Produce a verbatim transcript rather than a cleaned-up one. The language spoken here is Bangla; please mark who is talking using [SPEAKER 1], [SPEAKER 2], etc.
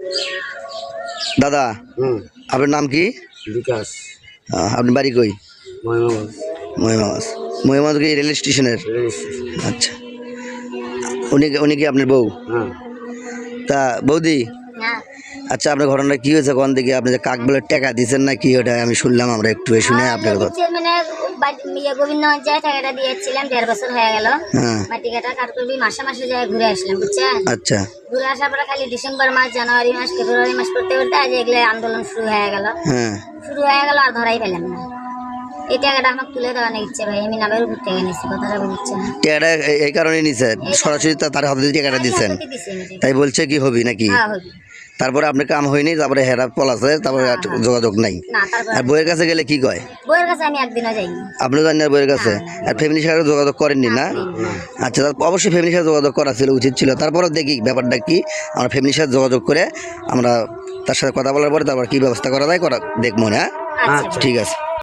[SPEAKER 1] দাদা আপনার নাম কি?
[SPEAKER 2] বিকাশ।
[SPEAKER 1] আপনার বাড়ি কই?
[SPEAKER 2] মহিমাবাদ।
[SPEAKER 1] মহিমাবাদ। মহিমাবাদ কি রেল স্টেশনের?
[SPEAKER 2] Rail station.
[SPEAKER 1] আচ্ছা, উনি উনি কি আপনার বউ?
[SPEAKER 2] হ্যাঁ।
[SPEAKER 1] তা বৌদি, আচ্ছা আপনার ঘটনাটা কি হয়েছে কোন দিকে? আপনি যে কাক বলে টাকা দিচ্ছেন না কি, ওটা আমি শুনলাম, আমরা একটু শুনে আপনার কথা।
[SPEAKER 3] মানে গোবিন্দগঞ্জ যায় টাকাটা দিয়েছিলাম, দেড় বছর হয়ে গেল।
[SPEAKER 1] হ্যাঁ।
[SPEAKER 3] মাটি কাটা কাট করবি, মাসে মাসে যায় ঘুরে আসলাম, বুঝছেন?
[SPEAKER 1] আচ্ছা।
[SPEAKER 3] ঘুরে আসার পরে খালি ডিসেম্বর মাস, জানুয়ারি মাস, ফেব্রুয়ারি মাস করতে করতে আজ এগুলো আন্দোলন শুরু হয়ে গেল।
[SPEAKER 1] হ্যাঁ।
[SPEAKER 3] শুরু হয়ে গেল আর ধরাই পেলাম না। এই টাকাটা আমাকে তুলে দেওয়ার ইচ্ছে ভাই, আমি নামের উপর থেকে নিচ্ছি, কথাটা বুঝছেন?
[SPEAKER 1] টাকাটা এই কারণে নিছে, সরাসরি তার হাতে টাকাটা দিচ্ছেন, তাই বলছে কি হবি নাকি? তারপরে আপনার কাম হয়নি, তারপরে হেরা পলাছে, তারপরে যোগাযোগ নাই। আর বইয়ের কাছে গেলে কি কয়?
[SPEAKER 3] বইয়ের কাছে আমি একদিনও যাইনি।
[SPEAKER 1] আপনি জানেন না বইয়ের কাছে? আর ফ্যামিলির সাথে যোগাযোগ করেননি না? আচ্ছা, অবশ্যই ফ্যামিলির সাথে যোগাযোগ করা ছিল, উচিত ছিল। তারপরে দেখি ব্যাপারটা কি, আমরা ফ্যামিলির সাথে যোগাযোগ করে আমরা তার সাথে কথা বলার পরে তারপর কি ব্যবস্থা করা যায় করা দেখবো না। ঠিক আছে।